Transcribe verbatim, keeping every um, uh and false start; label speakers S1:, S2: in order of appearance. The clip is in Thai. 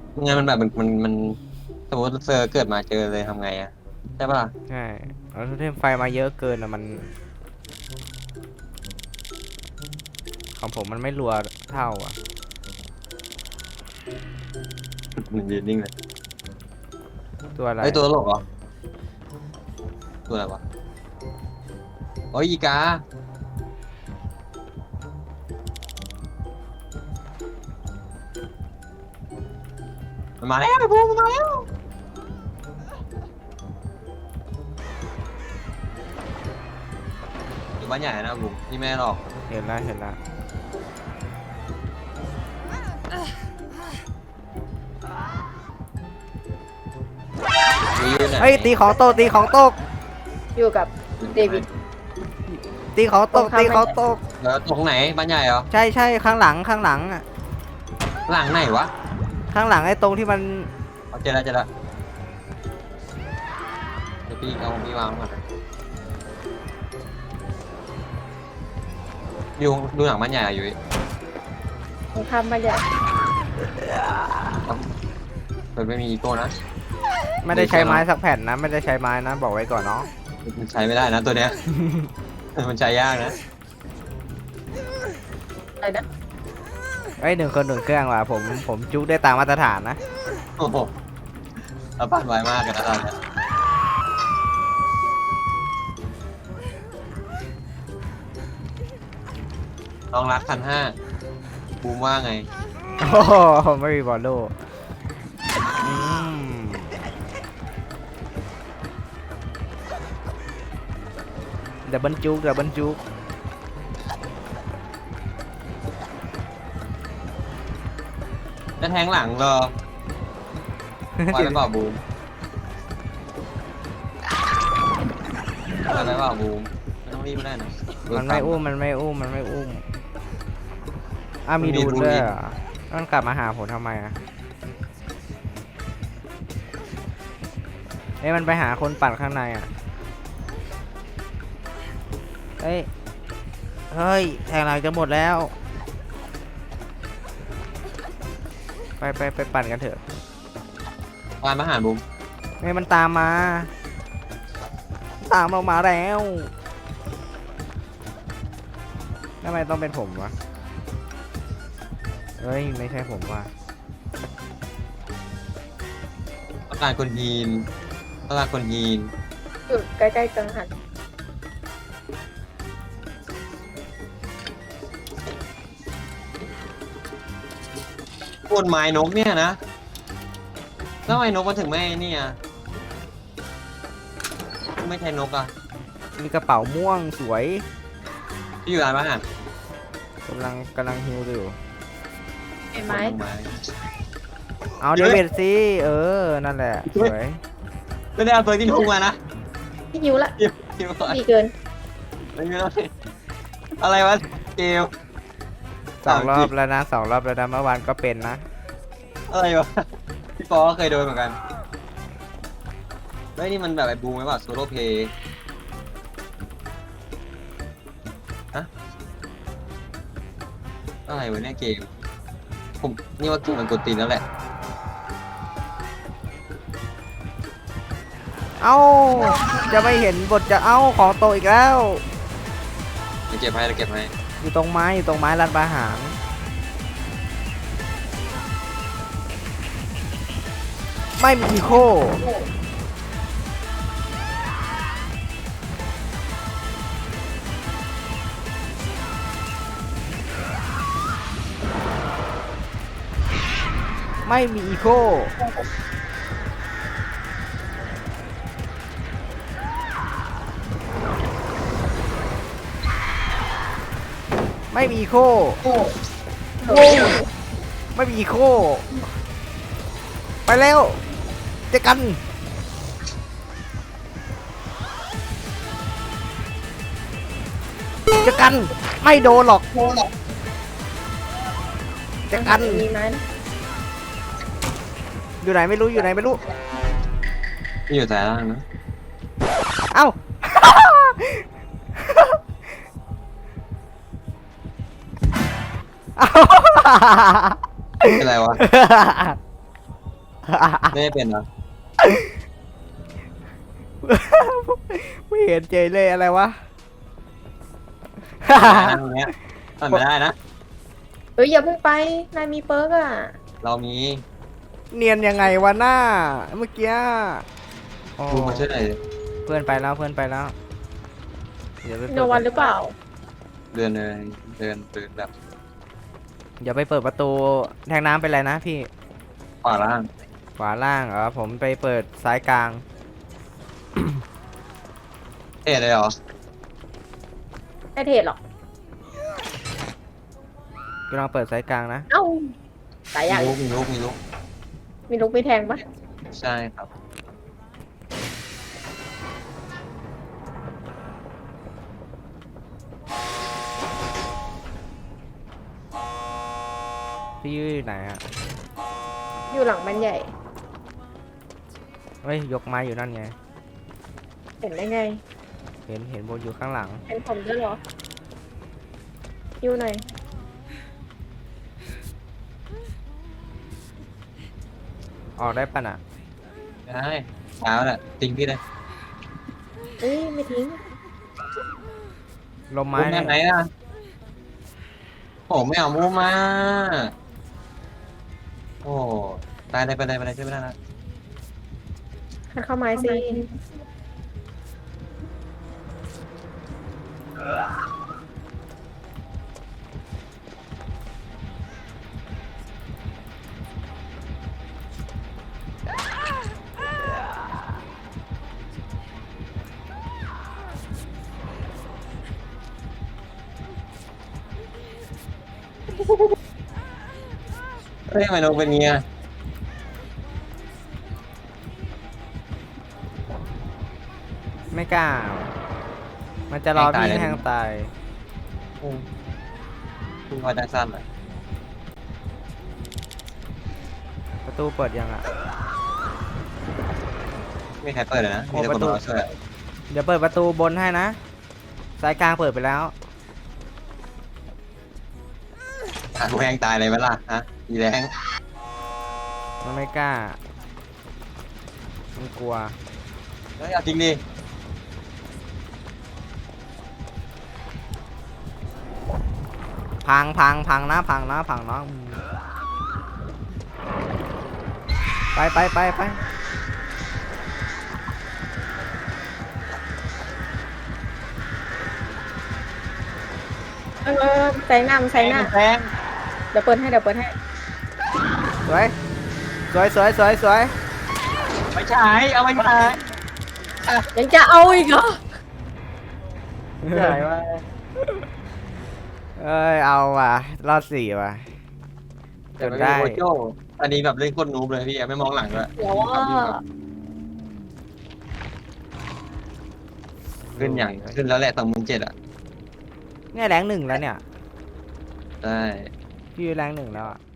S1: งั้นมันแบบมันมันมันสมมติเซอร์เกิดมาเจอเลยทำไงอะใช่ปะล่ะ
S2: ใช่เอาโทเทมไฟมาเยอะเกินอะมันของผมมันไม่รัวเท่าอ่ะ
S1: มันยืนนิ่งเลย
S2: ตัวอะไร
S1: เฮ้ยตัวตลกเหรอตัวอะไรวะโอ้ยอีกามันมาแล้วไอ้พวกมันมาแล้วอยู่บ้านใหญ่นะบุ๋มนี่แม่หรอก
S2: เห็นแล้วเห็นแล้ว
S1: นี่อยู่ไหน
S2: เฮ้ยตีของตกตีของตก
S3: อยู่กับเดวิด
S2: ตีของตกตีของตก
S1: แล้วตรงไหนบ้านใหญ่เหรอ
S2: ใช่ใช่ข้างหลังข้างหลังอ่ะ
S1: หลังไหนวะ
S2: ข้างหลังไอ้ตรงที่มัน
S1: เอาเจอแล้วเจอแล้วเดี๋ยวพี่เอาพี่วางก่อนนะดูดูหนังบ้านใหญ่อะอยู่ดิ
S3: ตรงข้ามมาใหญ่
S1: มันไม่มีอีโก้นะ
S2: ไม่ได้ใช้ไม้สักแผ่นนะไม่ได้ใช้ไม้นะบอกไว้ก่อนเนาะ
S1: มันใช้ไม่ได้นะตัวเนี้ย มันใช้ยากนะ
S3: อะไรนะ
S2: ไอ้ยหนึ่งคนหนึ่งเครื่องว่ะผมผมจุกได้ตามมาตรฐานนะ
S1: โอ้โหเราปั่นไวมากกันนะตอนเนี้ยลองรักพันห้าบูมว่าไง
S2: โอ้โหไม่มีบอลโล่อืมเดี๋ยวบรรจุเดี๋ยวบรรจุ
S1: จะแทงหลังเหรอว่าไปเปล่าบูมว่าไปเปล่าบูมไม่ต้องรีบก็ได้นะ
S2: มันไม่อุ้มมันไม่อุ้มมันไม่อุ้มอ้าวมี
S1: มันมี
S2: ดูด
S1: ดูด
S2: ด้วย
S1: อีก
S2: เหรอมันกลับมาหาผมทำไมอะเอ้ยมันไปหาคนปั่นข้างในอ่ะเฮ้ยเฮ้ยแทงหลังจะหมดแล้วไปไปไปปั่นกันเถอะ
S1: วานมาหาบูม
S2: เฮ้ยมันตามมา ตามเรามาแล้วทำไมต้องเป็นผมวะเฮ้ยไม่ใช่ผมว่ะ
S1: ต้องการคนยีนต้องการคนยีน
S3: อยู่ใกล้ๆกังหัน
S1: พวกไม้นกเนี่ยนะแล้วทำไมนกมันถึงไม่เนี่ยไม่ใช่นกอ่ะ
S2: มีกระเป๋าม่วงสวย
S1: ที่อยู่ร้านอาหาร
S2: กำลังกำลังฮิวอยู่
S3: เห็นไหม
S1: ไม้
S2: เอา
S1: เย
S2: เด
S1: อะ
S2: วิดสิเออนั่นแหละสวย
S1: ไม่ได้เอาตัวที่ทุ่งมานะ
S3: พี่ยิวละ
S1: เดี๋ยวเดี๋ยวก่อน
S3: ดีเกิน
S1: ไม่ไม่ไม่อะไรวะเกล
S2: สองรอบแล้วนะสองรอบแล้วนะเมื่อวานก็เป็นนะ
S1: อะไรวะพี่ปอก็เคยโดนเหมือนกันเฮ้ยนี่มันแบบไอ้บูมไหมวะโซโล่เพย์ฮะอะไรวะเนี่ยเกมผมนี่ว่าเกมมันกดตีนแล้วแหละ
S2: เอ้าจะไม่เห็นบทจะเอ้าของโตอีกแล้ว
S1: เดี๋ยวเก็บให้เดี๋ยวเก็บให้
S2: อยู่ตรงไม้อยู่ตรงไม้รันประหารไม่มีอีโคไม่มีอีโคไม่มีอีโค
S3: โอ้
S2: ไม่มีอีโคไปแล้วเจอกันเจอกันไม่โดนหรอกเจอกัน
S3: มีไหม
S2: อยู่ไหนไม่รู้อยู่ไหนไม่รู้
S1: ที่อยู่แต่ล่างนะ
S2: เอ้า เอ้า
S1: เป็นไรวะไม่ได้เป็นเหรอ
S2: ไม่เห็นเจเลยอะไรวะ
S1: ตรงเนี้ยมันไม่ได้นะ
S3: เฮ้ยอย่าเพิ่งไปนายมีเปิร์กอ่ะ
S1: เรามี
S2: เนียนยังไงวะหน้าเมื่อกี้โอ้
S1: ดูมาช่วยหน่อยดิ
S2: เพื่อนไปแล้วเพื่อนไปแล้วเดี๋ยวไป
S3: โน
S2: เปิด
S3: วันหรือเปล่า
S1: เดินเลยเดินเดินแบบ
S2: เดี๋ยวไปเปิดประตูแทงน้ำเป็นไรนะพี่
S1: ขวาล่าง
S2: ขวาล่างเหรอผมไปเปิดซ้ายกลาง
S1: เท่เลยเหรอ
S3: ไม่เทศหรอก
S2: กำลังเปิดซ้ายกลางนะ
S3: เอ้าสายใหญ่
S1: มีลุกมีลุกมีลุก
S3: มีลูกมีแทงปะ
S1: ใช่ครับ
S2: พี่อยู่ไหนอ่ะ
S3: อยู่หลังมันใหญ่
S2: เฮ้ยยกไม้อยู่นั่นไง
S3: เห็นได้ไง
S2: เห็นเห็นบนอยู่ข้างหลัง
S3: เป็นผมด้วยเหรออยู่หน่อย
S2: ออกได้ปะน่ะ
S1: ได้เช้าแหละทิ้งพี่เลย
S3: เอ้ยไม่ทิ้ง
S2: ลม
S1: มุ
S2: ไม้
S1: มแม่ไหนอ่ะผมไม่เอามุมมาโอ้ตายเลยไปเลยไปเลยช่วยไม่ได้นะ
S3: หันเข้าไม้สิ
S1: เฮ้ยทำไมนกเป็นเงี้ย
S2: ไม่กล้า มันจะรอพี่แทงตาย
S1: อืมคุณพอจังสั้นเลย
S2: ประตูเปิดยังอ่ะ
S1: ไม่มีใครเปิดเลยนะมีแต่คนรอช่วย
S2: เดี๋ยวเปิดประตูบนให้นะซ้ายกลางเปิดไปแล้ว
S1: อ่ะแรงตายเลยไหมล่ะฮะอีแรง
S2: มันไม่กล้า มันกลัว
S1: เฮ้ยเอาจริงดิ
S2: พังพังพังนะพังนะพังนะอืมไปไปไปไป
S3: เออแซงหน้ามันแซงหน้า
S1: แรง
S3: เดี๋ยวเปิดให้เดี๋ยวเปิดให้
S2: สวยสวยสวยสวยสวย
S1: ไม่ใช่เอาไม่ใช่
S3: ยังจะเอาอีกเหรอ
S1: ใช่ว่า
S2: เอ้ยเอาว่ะรอดสี่ว่ะ
S1: แต่ไม่มีโคโจอันนี้แบบเล่นโคตรนูบเลยพี่ไม่มองหลังด้วย
S3: เดี๋ยวว่า
S1: ขึ้นอย่างขึ้นแล้วแหละสองหมื่นเจ็ดอ่ะ
S2: เนี่ยแรงหนึ่งแล้วเนี่ย
S1: ใช่
S2: พี่แรงหนึ่งแล้วอ่ะ